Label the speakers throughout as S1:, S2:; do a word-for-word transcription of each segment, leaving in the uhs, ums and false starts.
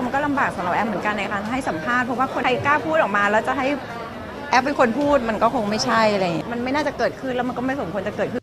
S1: มันก็ลำบากสำหรับแอปเหมือนกันในการให้สัมภาษณ์เพราะว่าคนใครกล้าพูดออกมาแล้วจะให้แอปเป็นคนพูดมันก็คงไม่ใช่อะไรมันไม่น่าจะเกิดขึ้นแล้วมันก็ไม่สมควรจะเกิดขึ้น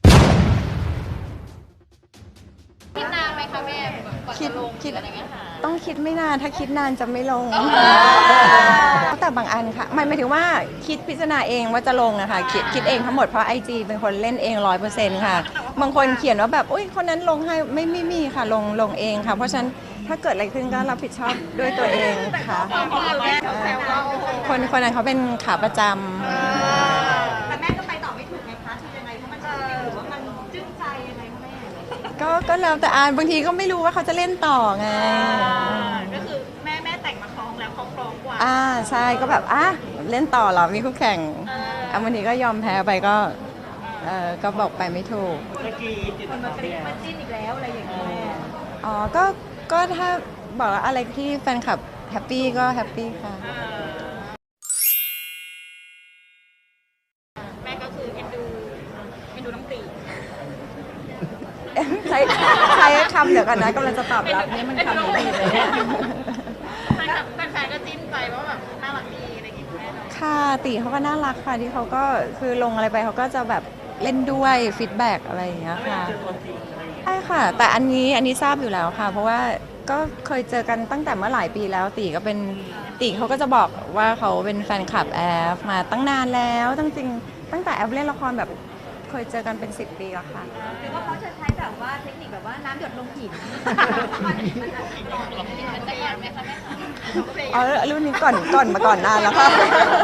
S2: คิดนานไหมคะแม่ก่อนจะลงคิดอะไรเงี้ยค่ะ
S1: ต้องคิดไม่นานถ้าคิดนานจะไม่ลงแต่บางอันค่ะหมายถึงว่าคิดพิจารณาเองว่าจะลงอะค่ะคิดคิดเองทั้งหมดเพราะไอจีเป็นคนเล่นเองร้อยเปอร์เซ็นต์ค่ะบางคนเขียนว่าแบบอุ้ยคนนั้นลงให้ไม่ไม่มีค่ะลงลงเองค่ะเพราะฉะนั้นถ้าเกิดอะไรขึ้นก็รับผิดชอบด้วยตัวเองค่ะคนคนนั้นเขาเป็นขาประจำ
S3: แต่แม่ก็ไปต่อไม่ถูกไงคะคือยังไงเพราะมันหรือว่ามันจึ้งใจยังไงคะแม่
S1: ก็ก็แล้วแต่อ่านบางทีก็ไม่รู้ว่าเขาจะเล่นต่อไง
S3: ก็คือแม่แม่แต่งมาคล้องแล้วเขาคล้องกว่า
S1: อ่าใช่ก็แบบอ่ะเล่นต่อเหรอมีคู่แข่งอ่ะบางทีก็ยอมแพ้ไปก็เออก็บอกไปไม่ถูก
S3: มันมาเป็นมันจิ้นอีกแล้วอะไรอย่างเงี้ย
S1: อ๋อก็ก็ถ้าบอกว่าอะไรที่แฟนคลับแฮปปี้ก็แฮปปี้ค่ะ
S3: แม่ก็คือเอ็นดูเอ็นดูน้ำตี
S1: ใช้ใช้คำเดี๋ยวกันนะกำลังจะตอบรับนี่มันคำนี้เลยเนี่ย
S3: แฟนๆก็จิ้นไปว่าแบบน่ารักดีอะไรอย่างเงี้ยแม่เนาะ
S1: ค่ะตีเขาก็น่ารักค่ะที่เขาก็คือลงอะไรไปเขาก็จะแบบเล่นด้วยฟีดแบ็กอะไรอย่างเงี้ยค่ะใช่ค่ะแต่อันนี้อันนี้ทราบอยู่แล้วค่ะเพราะว่าก็เคยเจอกันตั้งแต่เมื่อหลายปีแล้วตีก็เป็นตีเขาก็จะบอกว่าเขาเป็นแฟนคลับแอฟมาตั้งนานแล้วตั้งจริงตั้งแต่แอฟเล่นละครแบบเคยเจอกันเป็นสิบปีแล้วค่ะ
S3: หรือว่าเขาจะใช้แบบว่าเทคนิคแบบว่าน้ำหยดลงหิน
S2: มันจะยากไหมคะแม่คะ
S1: อ๋อรุ่นนี้ก่อนก่อนมาก่อนนานแล้วค่ะ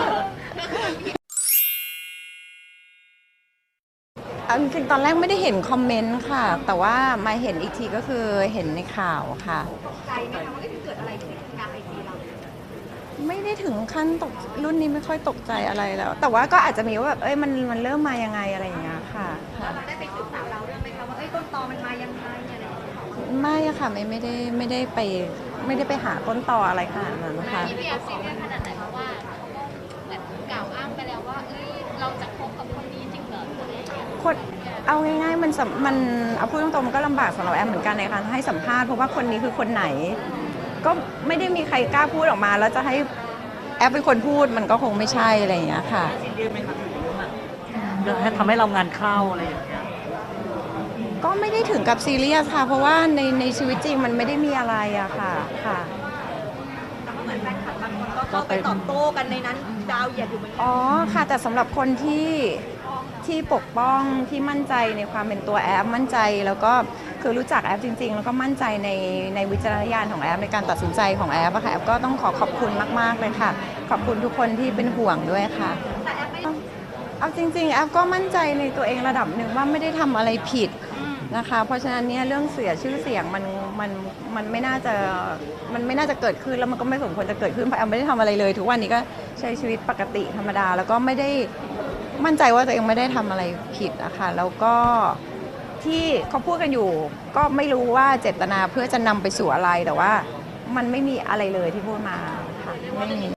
S1: จริงๆตอนแรกไม่ได้เห็นคอมเมนต์ค่ะแต่ว่ามาเห็นอีกทีก็คือเห็นในข่าวค่ะ
S3: ตกใจไหมคะว่าเกิดอะไรขึ้นในการไอจีเรา
S1: ไม่ได้ถึงขั้นตกรุ่นนี้ไม่ค่อยตกใจอะไรแล้วแต่ว่าก็อาจจะมีว่าแบบเอ้ยมันมันเริ่มมายังไงอะไรอย่างเงี้ยค่ะ
S3: เราได้ไปศึกษาเราเรื่องไหมคะว่าเอ้ยต้นตอมันมายังไงอะไรอย่างเงี้ย
S1: ไม่อะค่ะไม่ไม่ได้ไม่ได้ไปไม่ได้ไปหาต้นตออะไรขนาดนั้นนะคะ
S2: ที่พี่แอฟซีเรียสขนาดไหนเพราะว่าเขาก็เหมือนกล่าวอ้างไปแล้วว่าเอ้ยเราจะคบกับคนนี้จริงเหรออะไรอย่างเงี้ย
S1: คนเอาง่ายๆมันมันเอาพูดตรงๆมันก็ลำบากสำหรับแอมเหมือนกันในการให้สัมภาษณ์เพราะว่าคนนี้คือคนไหนก็ไม่ได้มีใครกล้าพูดออกมาแล้วจะให้แอปเป็นคนพูดมันก็คงไม่ใช่อะไรอย่างเงี้ยค่ะ
S4: ซีเรียสไหมคะเรื่องให้ทำให้เรางานเข้าอะไรอย่างเงี้ย
S1: ก็ไม่ได้ถึงกับซีเรียสค่ะเพราะว่าในในชีวิตจริงมันไม่ได้มีอะไรอะค่ะค่ะ
S3: แต่ก็เหมือนแฟนคลับบางคนก็เข้าไปตอบโต้กันในนั้นดาวเหยียดอยู่เหมือนกั
S1: อ๋อค่ะแต่สำหรับคนที่ที่ปกป้องที่มั่นใจในความเป็นตัวแอปมั่นใจแล้วก็คือรู้จักแอปจริงๆแล้วก็มั่นใจในในวิจารณญาณของแอปในการตัดสินใจของแอปอะค่ะแอปก็ต้องขอขอบคุณมากๆเลยค่ะขอบคุณทุกคนที่เป็นห่วงด้วยค่ะเอาจริงๆแอปก็มั่นใจในตัวเองระดับหนึ่งว่าไม่ได้ทำอะไรผิดนะคะเพราะฉะนั้นเนี่ยเรื่องเสียชื่อเสียงมันมันมันไม่น่าจะมันไม่น่าจะเกิดขึ้นแล้วมันก็ไม่สมควรจะเกิดขึ้นเพราะแอมไม่ได้ทำอะไรเลยทุกวันนี้ก็ใช้ชีวิตปกติธรรมดาแล้วก็ไม่ได้มั่นใจว่าตัวเองไม่ได้ทำอะไรผิดอะค่ะแล้วก็ที่เขาพูดกันอยู่ก็ไม่รู้ว่าเจตนาเพื่อจะนำไปสู่อะไรแต่ว่ามันไม่มีอะไรเลยที่พูดมาค่ะไม่มี